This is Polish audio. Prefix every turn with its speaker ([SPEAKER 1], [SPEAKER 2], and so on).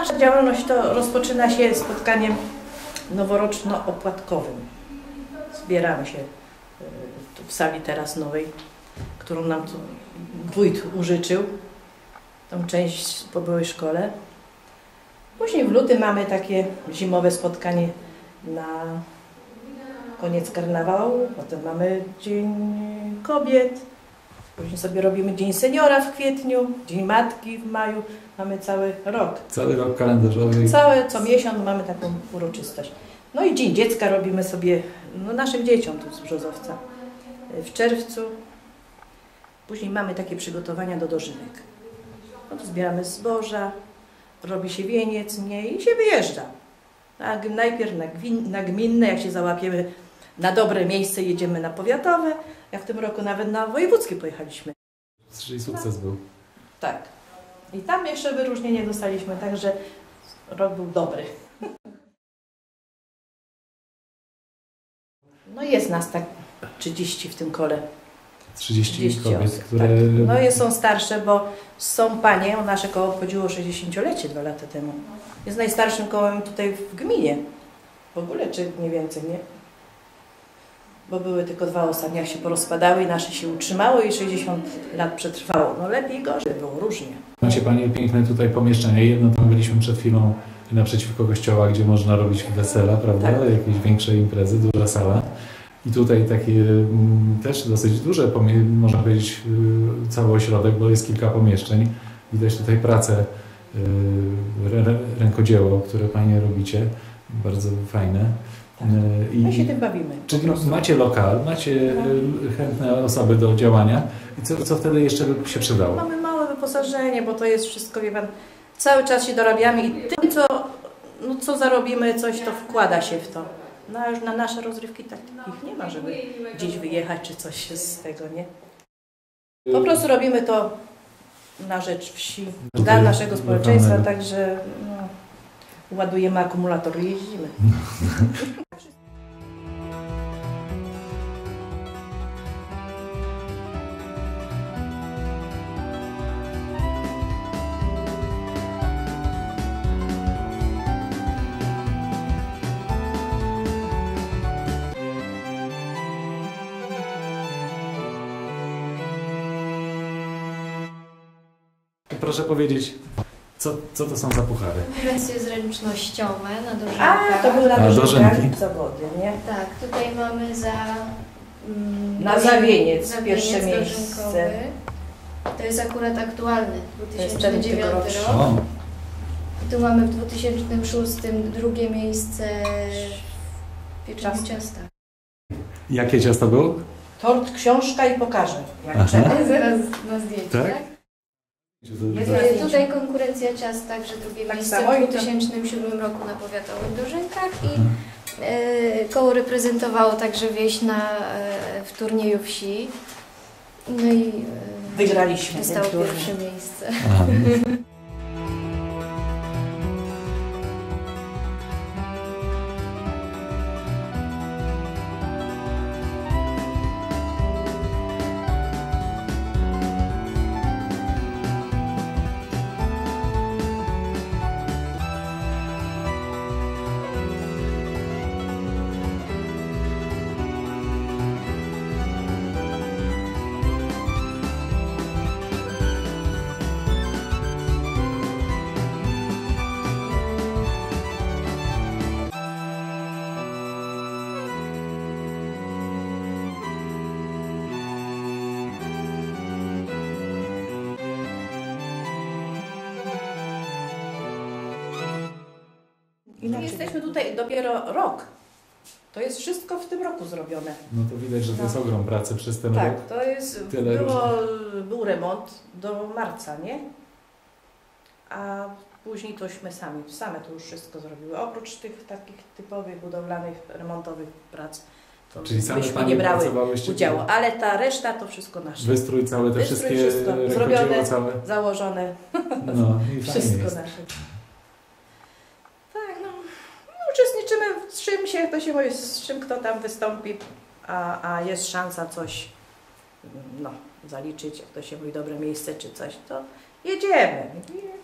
[SPEAKER 1] Nasza działalność to rozpoczyna się spotkaniem noworoczno-opłatkowym. Zbieramy się tu w sali teraz nowej, którą nam tu wójt użyczył, tą część po byłej szkole. Później w lutym mamy takie zimowe spotkanie na koniec karnawału, potem mamy Dzień Kobiet, później sobie robimy Dzień Seniora w kwietniu, Dzień Matki w maju, mamy cały rok.
[SPEAKER 2] Cały rok kalendarzowy.
[SPEAKER 1] Co miesiąc mamy taką uroczystość. No i Dzień Dziecka robimy sobie, naszym dzieciom tu z Brzozowca w czerwcu. Później mamy takie przygotowania do dożynek. No to zbieramy zboża, robi się wieniec, i się wyjeżdża. Najpierw na gminne, jak się załapiemy na dobre miejsce, jedziemy na powiatowe, jak w tym roku nawet na wojewódzkie pojechaliśmy.
[SPEAKER 2] Czyli sukces był.
[SPEAKER 1] Tak. I tam jeszcze wyróżnienie dostaliśmy, także rok był dobry. No jest nas tak 30 w tym kole.
[SPEAKER 2] 30 kobiet,
[SPEAKER 1] osób,
[SPEAKER 2] które...
[SPEAKER 1] Tak. No są starsze, bo są panie, nasze koło obchodziło 60-lecie 2 lata temu. Jest najstarszym kołem tutaj w gminie. W ogóle, czy nie więcej, nie? Bo były tylko 2 ostatnie, jak się porozpadały i nasze się utrzymało i 60 lat przetrwało. No lepiej i gorzej, było różnie.
[SPEAKER 2] Macie Panie piękne tutaj pomieszczenia. Jedno tam byliśmy przed chwilą naprzeciwko kościoła, gdzie można robić wesela, prawda?
[SPEAKER 1] Tak.
[SPEAKER 2] Jakieś większe imprezy, duża sala. I tutaj takie też dosyć duże, można powiedzieć, cały ośrodek, bo jest kilka pomieszczeń. Widać tutaj pracę, rękodzieło, które Panie robicie. Bardzo fajne.
[SPEAKER 1] Tak. My się tym bawimy.
[SPEAKER 2] Czyli macie lokal, macie chętne osoby do działania. I co wtedy jeszcze by się przydało?
[SPEAKER 1] Mamy małe wyposażenie, bo to jest wszystko, wie Pan, cały czas się dorabiamy i tym, co zarobimy, coś to wkłada się w to. No a już na nasze rozrywki takich nie ma, żeby gdzieś wyjechać czy coś z tego, nie? Po prostu robimy to na rzecz wsi, dla naszego społeczeństwa, także ładujemy akumulator i jeździmy.
[SPEAKER 2] Proszę powiedzieć, co to są za puchary?
[SPEAKER 3] Konkurencje zręcznościowe na dożynkach.
[SPEAKER 1] To były na
[SPEAKER 2] dożynki
[SPEAKER 1] zawody, nie?
[SPEAKER 3] Tak, tutaj mamy
[SPEAKER 1] za wieniec, pierwsze miejsce.
[SPEAKER 3] Dożynkowy. To jest akurat aktualny, 2009 rok.
[SPEAKER 2] O.
[SPEAKER 3] Tu mamy w 2006 drugie miejsce w pieczonych ciastach.
[SPEAKER 2] Jakie ciasto było?
[SPEAKER 1] Tort, książka i pokażę, jak
[SPEAKER 2] Aha.
[SPEAKER 1] trzeba.
[SPEAKER 3] Zaraz na zdjęciu,
[SPEAKER 2] Tak?
[SPEAKER 3] tak? Tutaj konkurencja ciast, także drugie
[SPEAKER 1] Tak
[SPEAKER 3] miejsce
[SPEAKER 1] samo
[SPEAKER 3] w 2007 roku na powiatowych dożynkach i koło reprezentowało także wieś w turnieju wsi. No i
[SPEAKER 1] Wygraliśmy.
[SPEAKER 3] dostało pierwsze miejsce.
[SPEAKER 2] Aha.
[SPEAKER 1] Jesteśmy tutaj dopiero rok. To jest wszystko w tym roku zrobione.
[SPEAKER 2] No to widać, że to jest ogrom pracy przez ten rok.
[SPEAKER 1] Tak, to jest, był remont do marca, nie? A później tośmy same to już wszystko zrobiły. Oprócz tych takich typowych budowlanych, remontowych prac, to
[SPEAKER 2] Czyli same
[SPEAKER 1] myśmy
[SPEAKER 2] Panie
[SPEAKER 1] nie brały
[SPEAKER 2] pracowałyście?
[SPEAKER 1] udziału, ale ta reszta to wszystko nasze.
[SPEAKER 2] Wystrój całe, te wszystkie
[SPEAKER 1] zrobione,
[SPEAKER 2] całe.
[SPEAKER 1] założone,
[SPEAKER 2] No i
[SPEAKER 1] wszystko
[SPEAKER 2] jest.
[SPEAKER 1] nasze. Tak, uczestniczymy z czym się, to się mówi, z czym kto tam wystąpi, a jest szansa coś zaliczyć, jak to się mówi, dobre miejsce czy coś, to jedziemy.